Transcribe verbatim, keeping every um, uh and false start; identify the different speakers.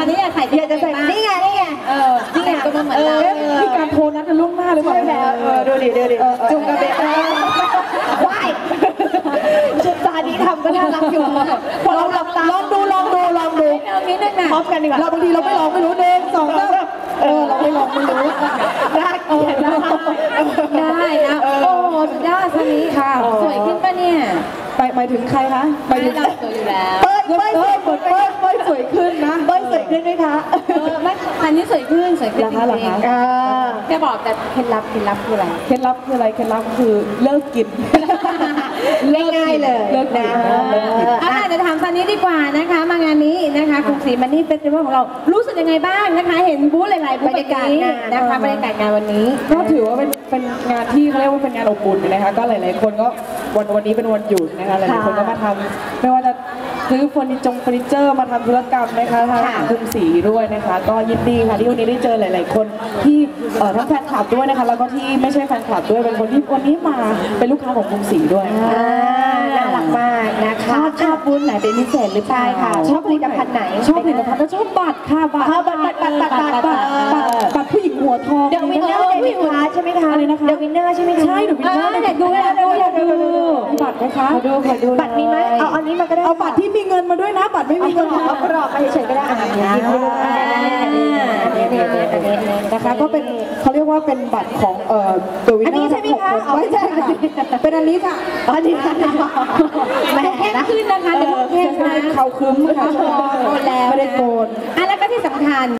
Speaker 1: อนนี้อยากใส่อยากจะใส่นี่ไงนี่ไงเออนี่ไงก็เหมือนเรา
Speaker 2: มีการโทรนัดกันล่วงหน้าหรือเปล่าเออดูดิดูดิจุงกระเบน
Speaker 1: ว้ายชุดตาดีทำก็น่ารักอยู่ลองลองดูลองดูลองดูนิดนึงนะพร้อมกันดีกว่า
Speaker 2: เราบางทีเราไม่ลองไม่รู้เองสองสามเออเราไม่ลองไม่รู้
Speaker 1: ได้เออได้นะโอ้สุดยอดซันนี่ค่ะสวยขึ้นปะเนี่ย
Speaker 2: ไปหมายถึงใครคะ
Speaker 1: ไปถึงเราสวยอยู่แล้ว
Speaker 2: เปิ้ลเปิ้ลเปิ้ลเปิ้ลเปิ้ลสวยขึ้นนะ
Speaker 1: เปิ้ลสวยขึ้นไหมคะเออไม่อันนี้สวยขึ้นสวยขึ้นจริงๆจะบอกแต่เคล็ดลับเคล็ดลับคืออะไร
Speaker 2: เคล็ดลับคืออะไรเคล็ดลับคือเลิกกิน
Speaker 1: ง่ายๆเลย
Speaker 2: เลิกนะ
Speaker 1: อ่ะเดี๋ยวถามซันนี่ดีกว่านะคะมางานนี้นะคะกรุงศรีมันนี่เฟสติวัลของเรารู้สึกยังไงบ้างนะคะเห็นบูธหลายๆบูธบรรยากาศนะคะบรรยากาศงานวันนี้
Speaker 2: ก็ถือว่าเป็นเป็นงานที่เขาเรียกว่าเป็นงานอบอุ่นนะคะก็หลายๆคนก็วันวันนี้เป็นวันหยุดนะคะหลายๆคนก็มาทำไม่ว่าจะซื้อเฟอร์นิเจอร์เฟอร์นิเจอร์มาทำธุรกรรมนะคะทางกรุงศรีด้วยนะคะก็ยินดีค่ะที่วันนี้ได้เจอหลายๆคนที่ทั้งแฟนคลับด้วยนะคะแล้วก็ที่ไม่ใช่แฟนคลับด้วยเป็นคนที่วันนี้มาเป็นลูกค้าของกรุงศรีด้วย
Speaker 1: น่ารักมากนะคะชอบบูธไหนเป็นพิเศษหรือเปล่าค่ะชอบผลิตภัณฑ์ไหน
Speaker 2: ชอบผลิตภัณฑ์แล้วชอบบัตรค่ะบัตร
Speaker 1: บัตรบัตรบัตรบัตรบัตรบัตร
Speaker 2: บัตรผู้หญิงหัวทอง
Speaker 1: เดอะวินเนอร์เดวินใช่ไหมคะ
Speaker 2: อะไรนะคะ
Speaker 1: เดอะวินเนอร์ใช่ไหมคะ
Speaker 2: ใช่เดอะวินเนอร์
Speaker 1: อยากดูอยากดูอยากดู
Speaker 2: บัตรไหมคะ
Speaker 1: ขอดูขอดูบัตรมีไหมเอาอันนี้มาก็ได้
Speaker 2: เอาบัตรที่มีเงินมาด้วยนะบัตรไม่มีเงิน
Speaker 1: เอากรอบไปเฉยๆก็ได้อ่านอย่างนี้
Speaker 2: นะคะก็เป็นเขาเรียกว่าเป็นบัตรของเอ่อเดอะวินเนอร์ทั้งหกคนไม่ใช่ค่ะเป็นอันนี้ค่ะ
Speaker 1: อันนี้ค่ะแม่เข้มขึ้นนะคะเดี๋ยวเข้มนะ
Speaker 2: เขาคึ้มค่ะ
Speaker 1: โกนแล้ว
Speaker 2: ไม่ได้โกน
Speaker 1: อ่ะแล้วก็ที่สำคัญ